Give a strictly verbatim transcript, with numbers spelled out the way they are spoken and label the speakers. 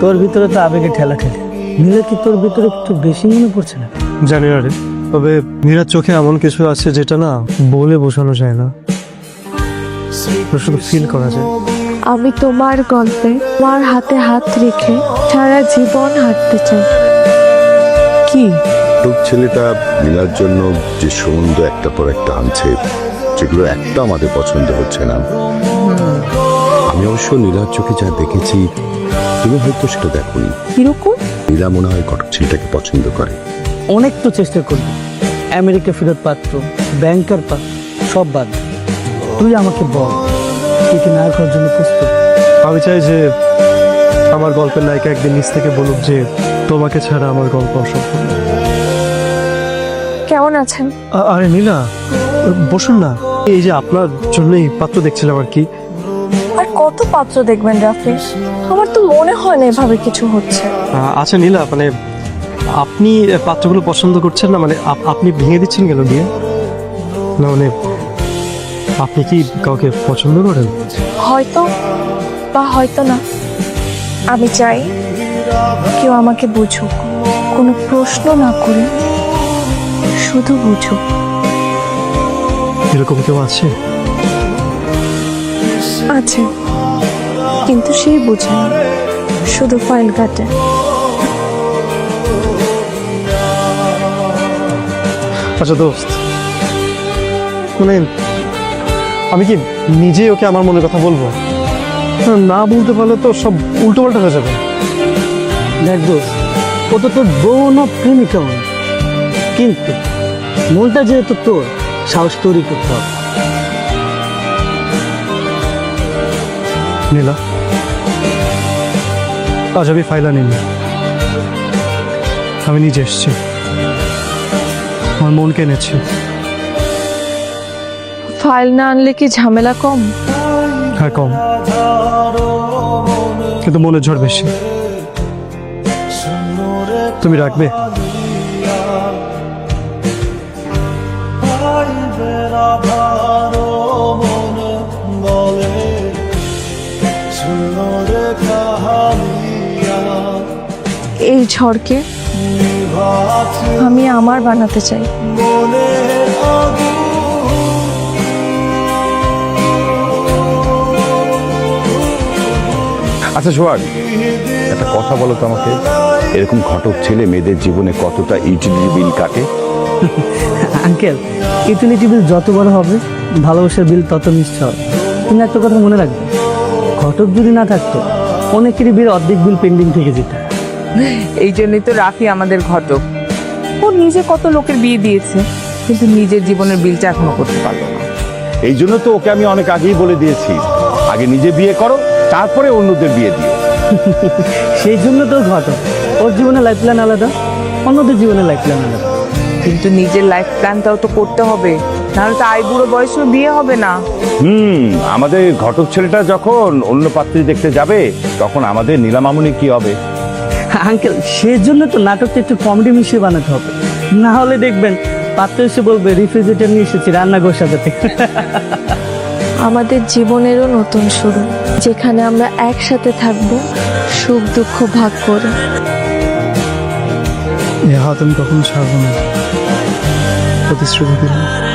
Speaker 1: তোর ভিতরে তো আবেগে ঠেলা খেলে, নীলা কি তোর ভিতরে একটু বেশি মনে পড়ছে না?
Speaker 2: জানি না রে, তবে নীলার চোখে এমন কিছু আছে যেটা না বলে বোঝানো যায় না, শুধু ফিল করা যায়।
Speaker 3: আমি তোমার গল্পে তোমার হাতে হাত রেখে সারা জীবন হাঁটতে চাই। কি
Speaker 4: লোক ছেলেটা নীলার জন্য যে সুন্দর একটা পর একটা আনছে, যেগুলো একটা আমাদের পছন্দ হচ্ছে না। আমি অবশ্য নীলার চোখে যা দেখেছি তুমি হয়তো সেটা দেখোনি।
Speaker 3: কিরকম?
Speaker 4: নীলা মনে হয় কটক ছেলেটাকে পছন্দ করে।
Speaker 1: অনেক তো চেষ্টা করবি, আমেরিকা ফেরত পাত্র, ব্যাংকার পাত্র সব বাদ। তুই আমাকে বল, তুই কি নায়ক হওয়ার জন্য প্রস্তুত?
Speaker 2: আমি চাই যে আমার গল্পের নায়িকা একদিন নিজ থেকে বলুক যে তোমাকে ছাড়া আমার গল্প অসম্পূর্ণ।
Speaker 3: কেমন আছেন?
Speaker 2: আ- আরে নীলা, বসুন না। এই যে আপনার জন্যই পাত্র দেখছিলাম আর কি।
Speaker 3: আর কত পাত্র দেখবেন রাফি? আমার তো মনে হয় না এভাবে কিছু হচ্ছে।
Speaker 2: আ- আচ্ছা নীলা, মানে আপনি পাত্রগুলো পছন্দ করছেন না, মানে আপ- আপনি ভেঙে দিচ্ছেন কেন বিয়ে? না মানে আপনি কি কাউকে পছন্দ করেন?
Speaker 3: হয়তো বা হয়তো না। আমি চাই কেউ আমাকে বুঝুক, কোনো প্রশ্ন না করে শুধু বুঝুক।
Speaker 2: এরকম কেউ আছে?
Speaker 3: আছে, কিন্তু সেই বুঝে না, শুধু ফাইল কাটে।
Speaker 2: আচ্ছা দোস্ত, মানে আমি কি নিজে ওকে আমার মনের কথা বলবো? না বলতে পারলে তো সব উল্টো পাল্টা হয়ে যাবে।
Speaker 1: দেখ দোস্ত, ও তো তোর বউ না প্রেমিকা মনে, কিন্তু মনটা যেহেতু তোর, সাহস তৈরি করতে হবে।
Speaker 2: নীলা, আজ আমি ফাইল আনিনি, আমি নিজে এসেছি, আমার মনকে এনেছি।
Speaker 3: ফাইল না আনলে কি ঝামেলা কম?
Speaker 2: হ্যাঁ কম, কিন্তু মনের ঝড় বেশি। তুমি রাখবে?
Speaker 3: এই ঝড়কে আমি আমার বানাতে চাই।
Speaker 4: আচ্ছা সোহাগ, একটা কথা বলো তো আমাকে, এরকম ঘটক ছেলে মেয়েদের জীবনে কতটা ইউটিলিটি বিল কাটে?
Speaker 1: আঙ্কেল, ইউটিলিটি বিল যত বড় হবে, ভালোবাসার বিল তত মিষ্টি হবে। তুমি একটা কথা মনে রাখবে, ঘটক যদি না থাকতো অনেকেরই বিল অর্ধেক বিল পেন্ডিং থেকে যেত।
Speaker 5: এই জন্যই তো রাফি আমাদের ঘটক। ও নিজে কত লোকের বিয়ে দিয়েছে, কিন্তু নিজের জীবনের বিলটা এখনো করতে পারলো না।
Speaker 4: এই জন্য তো ওকে আমি অনেক আগেই বলে দিয়েছি, আগে নিজে বিয়ে করো, তারপরে অন্যদের বিয়ে দিও।
Speaker 1: সেই জন্য তো ঘটক, ওর জীবনে লাইফ প্ল্যান আলাদা, অন্যদের জীবনে লাইফ প্ল্যান আলাদা।
Speaker 5: কিন্তু নিজের লাইফ প্ল্যানটাও তো করতে হবে, নাহলে তো আই বুড়ো বয়সেও বিয়ে হবে না।
Speaker 4: হুম আমাদের ঘটক ছেলেটা যখন অন্য পাত্রী দেখতে যাবে, তখন আমাদের নীলামামুনি কি হবে?
Speaker 1: আঙ্কেল, সেই জন্য তো নাটকটা একটু কমেডি মিশিয়ে বানাতে হবে, না হলে দেখবেন পাত্র এসে বলবে রিফ্রিজারেটর নিয়ে এসেছি রান্না ঘর সাজাতে।
Speaker 3: আমাদের জীবনেরও নতুন শুরু, যেখানে আমরা একসাথে থাকবো, সুখ দুঃখ ভাগ করে।
Speaker 2: এ হাত আমি কখনো ছাড়বো না, প্রতিশ্রুতি দিলাম।